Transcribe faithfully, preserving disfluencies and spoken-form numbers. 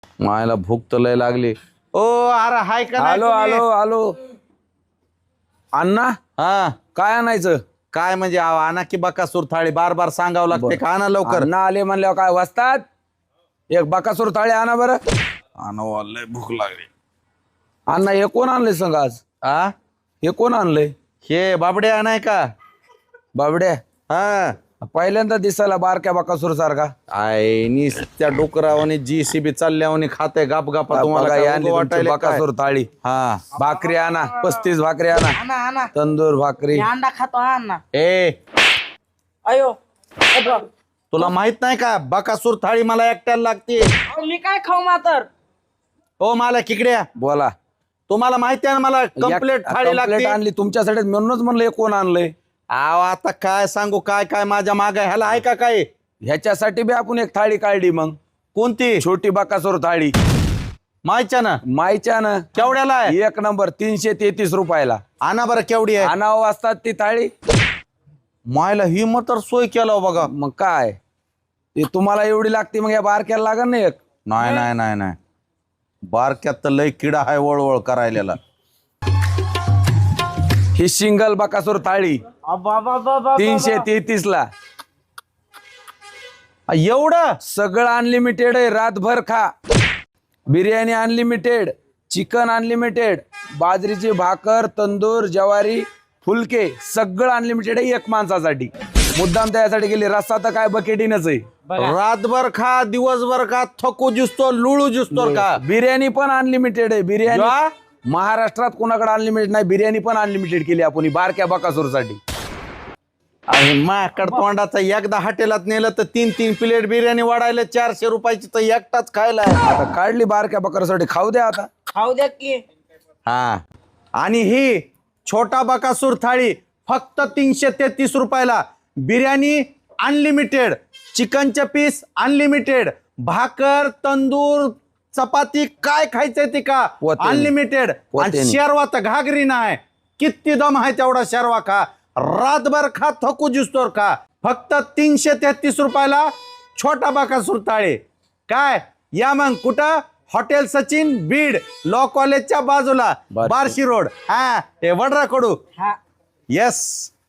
मायला भूक तर लय लागली. ओ अरे हाय का नाही आलो तुम्ही? आलो आलो. अण्णा हा काय आणायचं? काय म्हणजे आव, आणा की बकासूर थाळी. बार बार सांगावं लागते का? आणा लवकर. अण्णा आले म्हणल्यावर काय वाजतात? एक बकासूर थाळी आणा बरं. आणा, लय भूक लागली. अण्णा हे कोण आणलंय सांग आज? आ हे कोण आणलंय? हे बाबडे आणाय का? बाबड्या हा पहिल्यांदा दिसायला बारक्या बकासूर सारखा. आय नी त्या डोकरावाने जी सी बी चालल्यावाने खाते गाप गापा. तुम्हाला काय उगं वाटायले काय? बकासूर थाळी. हा भाकरी आणा, पस्तीस भाकरी आणा, आणा आणा तंदूर भाकरी. मी अंडा खातो आणा. ए अयो ए बा. तुला माहित नाही का बकासूर थाळी मला एकट्याला लागते? अहो, मी काय खाऊ मातर? हो मला किकड्या, बोला. तुम्हाला माहिती आहे ना मला कंप्लेट थाळी कंप्लेट लागते. आणली तुमच्यासाठी म्हणूनच म्हणलं हे कोण आणलंय. आव आता काय सांगू, काय काय माझ्या माग ह्याला आहे का काय? ह्याच्यासाठी बी आपण एक थाळी काढली मग. कोणती? छोटी बकासूर थाळी माहिच्या ना मायच्या ना. केवढ्याला आहे? एक नंबर तीनशे तेहतीस रुपयाला. आणा बरं केवढी आहे? आणावं वाजतात ती थाळी. मायला ही मग तर सोय केला बघा. मग काय ते तुम्हाला एवढी लागते मग या बारक्याला लागल ना एक. नाही नाही नाही नाही बारक्यात तर लय किडा आहे वळवळ करायला. ही सिंगल बकासूर थाळी अबा बा बा बा तीनशे तेहतीस ला. एवढं सगळं अनलिमिटेड आहे. रातभर खा. बिर्याणी अनलिमिटेड, चिकन अनलिमिटेड, बाजरीची भाकर, तंदूर, ज्वारी, फुलके सगळं अनलिमिटेड आहे एक माणसासाठी. मुद्दाम त्यासाठी गेली. रस्सा तर काय बकेटीनच आहे. रातभर खा दिवसभर खा थकू जुसतो लुळू जुसतो का? बिर्याणी पण अनलिमिटेड आहे. बिर्याणी वा? महाराष्ट्रात कोणाकडे अनलिमिटेड नाही. बिर्याणी पण अनलिमिटेड केली आपण ही बारक्या बकासूरसाठी. आणि माकड तोंडाचा एकदा हॉटेलात नेलं तर तीन तीन प्लेट बिर्याणी वाढायला चारशे रुपयाची तर एकटाच खायला आहे. आता काढली बारक्या बकासूरसाठी खाऊ द्या आता. खाऊ द्या की. हा आणि ही छोटा बकासूर थाळी फक्त तीनशे तेहतीस रुपयाला. बिर्याणी अनलिमिटेड, चिकनचे पीस अनलिमिटेड, भाकर, तंदूर, चपाती काय खायचंय ते का पोतेनी. अनलिमिटेड. आणि पोतेनी. शेरवा तर घागरी नाही. किती दम आहे तेवढा शेरवा खा. रातभर खा थकू जुसतोर का. फक्त तीनशे तेहतीस रुपयाला छोटा बकासूर थाळी. काय या मग कुठं? हॉटेल सचिन बीड, लॉ कॉलेजच्या बाजूला, बार्शी. बार्शी रोड. हा हे वडरा कडू. हा येस